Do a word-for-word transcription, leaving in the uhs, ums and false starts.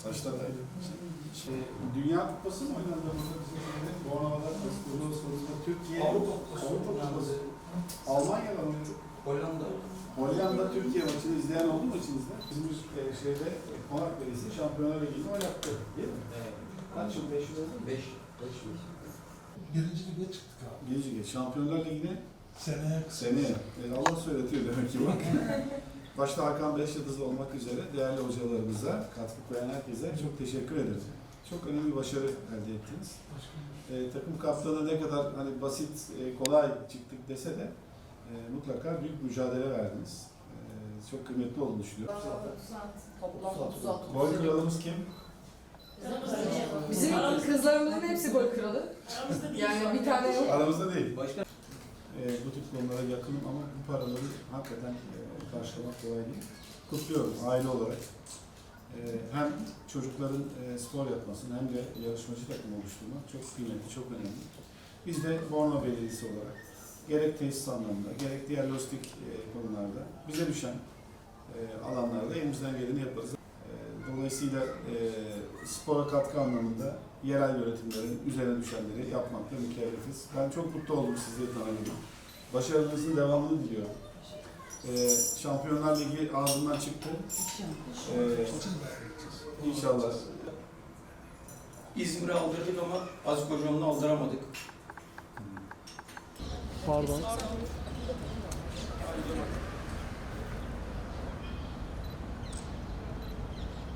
Saçlar da. Şey, Dünya Kupası mı oynandı burada bizim şeyde? Bornova'da, Kıbrıs sorusunda Türkiye, Avrupa Kupası. Avrupa Kupası. Almanya'da mı? Hollanda. Hollanda Türkiye maçını izleyen oldu mu içinizde? Bizim bir e, şeyde Konak Belediyesi Şampiyonlar Ligi'ni oynattı. Değil mi? Evet. Kaç yıl? Beş yıl oldu mu? Beş. Beş yıl. Birinci lige çıktık abi. Gece geç. Şampiyonlar Ligi'ne Seneye seneye. E, Allah söyletiyor demek ki bak. Başta Hakan Beş Yıldızlı olmak üzere değerli hocalarımıza, katkı koyan herkese çok teşekkür ederim. Çok önemli bir başarı elde ettiniz. E, takım kaptanı ne kadar hani basit, e, kolay çıktık dese de e, mutlaka büyük mücadele verdiniz. E, çok kıymetli olduğunu düşünüyorum. Toplam otuz altı. Gol kralımız kim? Bizim kızlarımızın hepsi gol kralı. Yani bir tane yok. Aramızda değil. Başka? E, bu tip konulara yakınım ama bu paraları hakikaten e, karşılamak kolay değil. Kutluyorum aile olarak. E, hem çocukların e, spor yapmasını hem de yarışmacı takım oluşturmak çok kıymetli, çok önemli. Biz de Bornova Belediyesi olarak gerek tesis anlamında, gerek diğer lojistik e, konularda bize düşen e, alanlarda elimizden geleni yaparız. E, dolayısıyla e, spora katkı anlamında yerel yönetimlerin üzerine düşenleri yapmakla mükellefiz. Ben çok mutlu oldum sizleri tanıdığım. Başarınızın devamını diliyorum. Ee, Şampiyonlar Ligi ağzından çıktı. Ee, inşallah. İzmir'e aldırdık ama Aziz Hocam'la aldıramadık. Pardon.